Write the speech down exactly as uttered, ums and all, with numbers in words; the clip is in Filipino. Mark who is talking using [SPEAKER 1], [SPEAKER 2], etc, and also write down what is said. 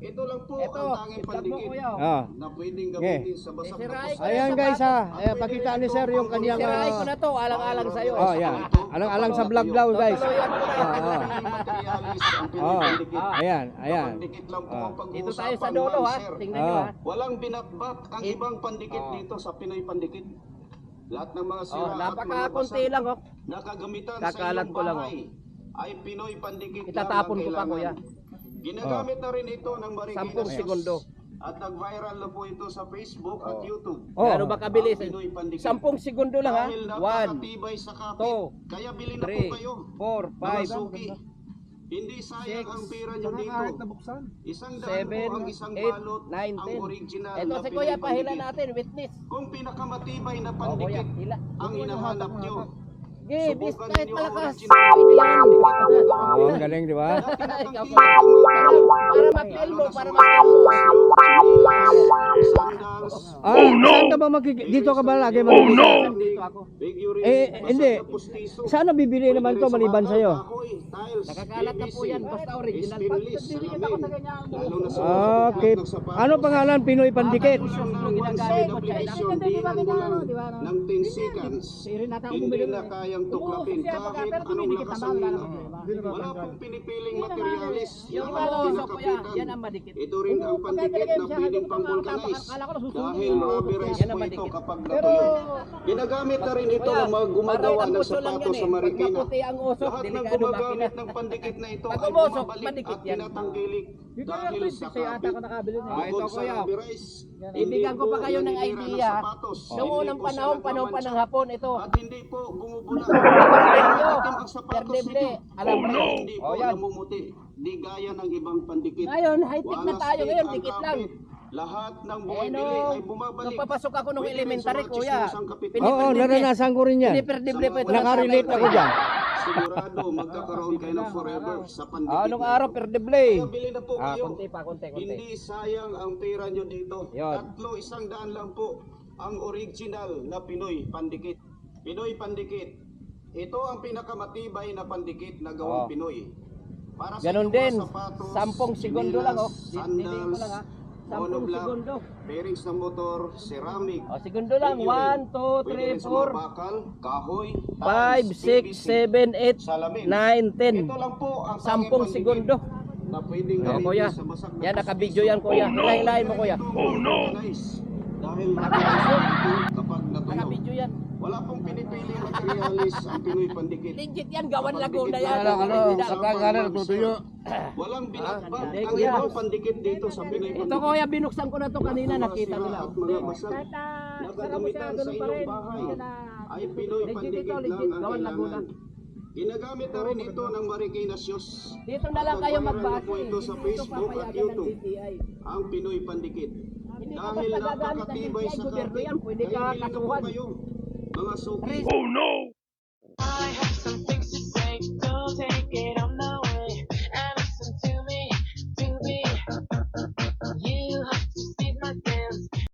[SPEAKER 1] Ito lang po
[SPEAKER 2] Ito,
[SPEAKER 1] ang tanging
[SPEAKER 2] i-vlog mo,
[SPEAKER 1] pandikit
[SPEAKER 2] kuya.
[SPEAKER 3] Ah.
[SPEAKER 1] na pwedeng gamitin sa basang
[SPEAKER 2] Eh,
[SPEAKER 1] na
[SPEAKER 2] siray ko
[SPEAKER 1] pusa.
[SPEAKER 3] Ayan guys ha. Ayan, pakita ni sir yung kanyang
[SPEAKER 2] Sirain ko
[SPEAKER 3] ah,
[SPEAKER 2] na to, alang-alang sa'yo.
[SPEAKER 3] oh, yan. Alang-alang sa vlog daw guys.
[SPEAKER 2] Tutuloyan ko na.
[SPEAKER 3] Ah, ah.
[SPEAKER 1] Materialis ang
[SPEAKER 3] Oh,
[SPEAKER 1] pinipandikit.
[SPEAKER 3] ayan, ayan.
[SPEAKER 1] Pandikit lang po
[SPEAKER 3] Ah.
[SPEAKER 1] ang
[SPEAKER 2] Dito
[SPEAKER 1] pag-uusapan,
[SPEAKER 2] tayo sa dulo
[SPEAKER 1] ma'am,
[SPEAKER 2] ha.
[SPEAKER 1] sir.
[SPEAKER 2] Tingnan nyo
[SPEAKER 3] Ah.
[SPEAKER 2] ha.
[SPEAKER 1] Walang binatbat ang
[SPEAKER 2] It-
[SPEAKER 1] ibang pandikit
[SPEAKER 2] Oh.
[SPEAKER 1] dito sa Pinoy Pandikit. Lahat ng mga sira
[SPEAKER 2] Oh,
[SPEAKER 1] at mga
[SPEAKER 2] napakakunti
[SPEAKER 1] basag
[SPEAKER 2] lang oh.
[SPEAKER 1] na kagamitan
[SPEAKER 2] Kakalat
[SPEAKER 1] sa
[SPEAKER 2] ko lang,
[SPEAKER 1] iyong bahay ay Pinoy Pandikit
[SPEAKER 2] Itatapon
[SPEAKER 1] lang
[SPEAKER 2] ko pa,
[SPEAKER 1] ang
[SPEAKER 2] kuya.
[SPEAKER 1] kailangan. Ginagamit na rin ito ng Marikina
[SPEAKER 2] Sampung
[SPEAKER 1] News.
[SPEAKER 2] segundo.
[SPEAKER 1] At nag-viral na po ito sa Facebook at YouTube.
[SPEAKER 3] Oh.
[SPEAKER 2] Gaano ba kabilis?
[SPEAKER 1] Ang Pinoy Pandikit.
[SPEAKER 2] Sampung segundo lang ha.
[SPEAKER 1] Dahil
[SPEAKER 2] One,
[SPEAKER 1] napakatibay sa kapit.
[SPEAKER 2] two,
[SPEAKER 1] Kaya bilhin na po
[SPEAKER 2] three,
[SPEAKER 1] kayo.
[SPEAKER 2] four,
[SPEAKER 1] Mga
[SPEAKER 2] five,
[SPEAKER 1] suki. Hindi sayang
[SPEAKER 2] six,
[SPEAKER 1] ang pera nyo dito. Isang daan
[SPEAKER 2] seven,
[SPEAKER 1] po ang isang
[SPEAKER 2] eight,
[SPEAKER 1] balot,
[SPEAKER 2] nine,
[SPEAKER 1] ang
[SPEAKER 2] ten.
[SPEAKER 1] original
[SPEAKER 2] Ito
[SPEAKER 1] na
[SPEAKER 2] si
[SPEAKER 1] Pinoy
[SPEAKER 2] Kuya, pahila
[SPEAKER 1] Pandikit.
[SPEAKER 2] natin, witness.
[SPEAKER 1] Kung pinakamatibay na
[SPEAKER 2] Oh, Kuya,
[SPEAKER 1] pandikit
[SPEAKER 2] hila.
[SPEAKER 1] ang hinahanap nyo,
[SPEAKER 2] Sige, bis
[SPEAKER 1] subukan
[SPEAKER 2] kahit
[SPEAKER 1] ninyo ang
[SPEAKER 2] malakas.
[SPEAKER 1] original
[SPEAKER 2] Pwede yan.
[SPEAKER 3] Oh, ang galing di ba?
[SPEAKER 2] Ikaw pa. Para, para ma-feel mo, para ma-feel mo.
[SPEAKER 3] Ah, oh no. Saan ka ba magkik- dito ka ba lagi magkikita?
[SPEAKER 2] Dito ako.
[SPEAKER 3] Eh, hindi. Saan nabibili naman to maliban sa'yo?
[SPEAKER 2] Nakakalat na po yan, basta original. Pag nagdidikit ako sa ganyan,
[SPEAKER 3] Okay. Ano pangalan? Pinoy Pandikit?
[SPEAKER 2] ginagamit mo, China.
[SPEAKER 1] Ng ten seconds, hindi na kayang tuklapin kahit anong lakas ang hila. Wala pong pinipiling materialis.
[SPEAKER 2] Yung
[SPEAKER 1] Lahat
[SPEAKER 2] ano, so kuya,
[SPEAKER 1] pinakapitan.
[SPEAKER 2] yan ang madikit.
[SPEAKER 1] Ito rin ang pandikit na pwedeng pang-vulcanize dahil rubberized
[SPEAKER 2] Yan ang
[SPEAKER 1] po ito
[SPEAKER 2] madikit.
[SPEAKER 1] kapag natuyo. Ginagamit na rin ito ng mga gumagawa
[SPEAKER 2] parang
[SPEAKER 1] ng
[SPEAKER 2] ang uso lang
[SPEAKER 1] sapatos
[SPEAKER 2] yan
[SPEAKER 1] sa
[SPEAKER 2] eh.
[SPEAKER 1] Marikina.
[SPEAKER 2] Pag maputi ang usok,
[SPEAKER 1] Lahat ng
[SPEAKER 2] delikado
[SPEAKER 1] gumagamit
[SPEAKER 2] makina.
[SPEAKER 1] ng pandikit na ito
[SPEAKER 2] Pag
[SPEAKER 1] ay
[SPEAKER 2] umusok,
[SPEAKER 1] bumabalik
[SPEAKER 2] pandikit
[SPEAKER 1] at
[SPEAKER 2] yan.
[SPEAKER 1] tinatanggilik dahil sa kapit.
[SPEAKER 2] Ah, ito,
[SPEAKER 1] Bukod sa
[SPEAKER 2] kuya.
[SPEAKER 1] rubberized,
[SPEAKER 2] Ibigyan ko pa kayo ng
[SPEAKER 1] naninira
[SPEAKER 2] idea.
[SPEAKER 1] sapatos.
[SPEAKER 2] Noong
[SPEAKER 1] Hindi
[SPEAKER 2] unang
[SPEAKER 1] po
[SPEAKER 2] panahon,
[SPEAKER 1] sila
[SPEAKER 2] panahon pa ng
[SPEAKER 1] nagmamansya.
[SPEAKER 2] hapon, ito.
[SPEAKER 1] At hindi po bumubula.
[SPEAKER 2] Perdeble.
[SPEAKER 1] Itim ang sapatos
[SPEAKER 2] Perdeble.
[SPEAKER 1] ninyo.
[SPEAKER 2] Alam mo yun.
[SPEAKER 1] Hindi po
[SPEAKER 2] Oh, yan.
[SPEAKER 1] namumuti. Di gaya ng ibang pandikit.
[SPEAKER 2] Ngayon, high-tech na
[SPEAKER 1] Walang
[SPEAKER 2] tayo
[SPEAKER 1] stick
[SPEAKER 2] ngayon,
[SPEAKER 1] ang
[SPEAKER 2] dikit lang.
[SPEAKER 1] kapit. Lahat ng
[SPEAKER 2] Eh,
[SPEAKER 1] bumibili
[SPEAKER 2] nung,
[SPEAKER 1] ay bumabalik.
[SPEAKER 2] nung papasok ako nung
[SPEAKER 1] Pwede rin
[SPEAKER 2] elementary,
[SPEAKER 1] sa mga
[SPEAKER 2] kuya.
[SPEAKER 1] chismosang kapit.
[SPEAKER 3] Oo, oh, naranasan ko rin yan.
[SPEAKER 2] Piniperdible po ito.
[SPEAKER 3] Nakarelate ako dyan.
[SPEAKER 1] Sigurado magkakaroon kayo ng forever sa pandikit.
[SPEAKER 2] Ah, nung
[SPEAKER 1] na
[SPEAKER 2] araw,
[SPEAKER 1] ito.
[SPEAKER 2] perdible.
[SPEAKER 1] Kaya bili na po
[SPEAKER 2] Ah,
[SPEAKER 1] kayo.
[SPEAKER 2] konti pa, konti, konti.
[SPEAKER 1] Hindi sayang ang pera nyo dito.
[SPEAKER 2] Yun.
[SPEAKER 1] Tatlo, isang daan lang po ang original na Pinoy Pandikit. Pinoy Pandikit. Ito ang pinakamatibay na pandikit na gawang
[SPEAKER 2] Oh.
[SPEAKER 1] Pinoy. Para
[SPEAKER 2] Ganon
[SPEAKER 1] inyong mga
[SPEAKER 2] din.
[SPEAKER 1] sapatos,
[SPEAKER 2] Sampung segundo lang oh.
[SPEAKER 1] chinelas,
[SPEAKER 2] Dinidiin ko
[SPEAKER 1] sandals,
[SPEAKER 2] lang ha. Sampung
[SPEAKER 1] monoblock,
[SPEAKER 2] segundo.
[SPEAKER 1] bearings ng motor, ceramic,
[SPEAKER 2] Oh, segundo lang.
[SPEAKER 1] figurine.
[SPEAKER 2] one, two,
[SPEAKER 1] Pwede
[SPEAKER 2] three,
[SPEAKER 1] rin sa
[SPEAKER 2] four,
[SPEAKER 1] mga bakal, kahoy,
[SPEAKER 2] five,
[SPEAKER 1] tiles,
[SPEAKER 2] six,
[SPEAKER 1] P V C,
[SPEAKER 2] seven, eight,
[SPEAKER 1] salamin.
[SPEAKER 2] nine, ten.
[SPEAKER 1] Ito lang po ang tanging
[SPEAKER 2] Sampung
[SPEAKER 1] pandikit
[SPEAKER 2] segundo.
[SPEAKER 1] na pwedeng
[SPEAKER 2] Oh,
[SPEAKER 1] gamitin
[SPEAKER 2] kuya.
[SPEAKER 1] sa basag na
[SPEAKER 2] Yan,
[SPEAKER 1] puso.
[SPEAKER 2] nakabidyo yan, kuya. Hilahilahin mo, kuya.
[SPEAKER 1] Oh no! Dahil
[SPEAKER 2] Nakabidyo.
[SPEAKER 1] kapag natuyo,
[SPEAKER 2] Nakabidyo yan.
[SPEAKER 1] wala pong pinipili materialis ang Pinoy Pandikit.
[SPEAKER 2] Legit yan. Gawan Laguna yan.
[SPEAKER 3] Ano, ano,
[SPEAKER 2] Original.
[SPEAKER 3] kapag ano, natutuyo.
[SPEAKER 1] Walang binatbat
[SPEAKER 2] hindi,
[SPEAKER 1] ang
[SPEAKER 2] kuya.
[SPEAKER 1] ibang pandikit dito sa Pinoy Pandikit.
[SPEAKER 2] Ito kuya, binuksan ko na to kanina.
[SPEAKER 1] Mga
[SPEAKER 2] Nakita
[SPEAKER 1] sira
[SPEAKER 2] nila.
[SPEAKER 1] at mga basag
[SPEAKER 2] Kahit ah,
[SPEAKER 1] na
[SPEAKER 2] sarap mo siya,
[SPEAKER 1] gagamitan sa
[SPEAKER 2] ganun pa
[SPEAKER 1] inyong
[SPEAKER 2] rin.
[SPEAKER 1] bahay
[SPEAKER 2] Yan na.
[SPEAKER 1] ay Pinoy
[SPEAKER 2] Legit
[SPEAKER 1] Pandikit
[SPEAKER 2] ito,
[SPEAKER 1] lang
[SPEAKER 2] legit.
[SPEAKER 1] ang
[SPEAKER 2] Gawan Laguna.
[SPEAKER 1] kailangan. Ginagamit na rin ito ng Marikina News.
[SPEAKER 2] Dito na lang kayo
[SPEAKER 1] Nag-viral na
[SPEAKER 2] magbase.
[SPEAKER 1] po ito sa Facebook at
[SPEAKER 2] papayagan ng
[SPEAKER 1] YouTube.
[SPEAKER 2] D T I.
[SPEAKER 1] Ang Pinoy Pandikit.
[SPEAKER 2] Hindi ka
[SPEAKER 1] Dahil
[SPEAKER 2] basta gagamit ng
[SPEAKER 1] napakatibay
[SPEAKER 2] D T I,
[SPEAKER 1] sa
[SPEAKER 2] gobyerno
[SPEAKER 1] kapit,
[SPEAKER 2] yan. Pwede
[SPEAKER 1] kaya
[SPEAKER 2] ka
[SPEAKER 1] bili na po
[SPEAKER 2] kasuhan.
[SPEAKER 1] kayo. Mga suki.
[SPEAKER 2] Risk.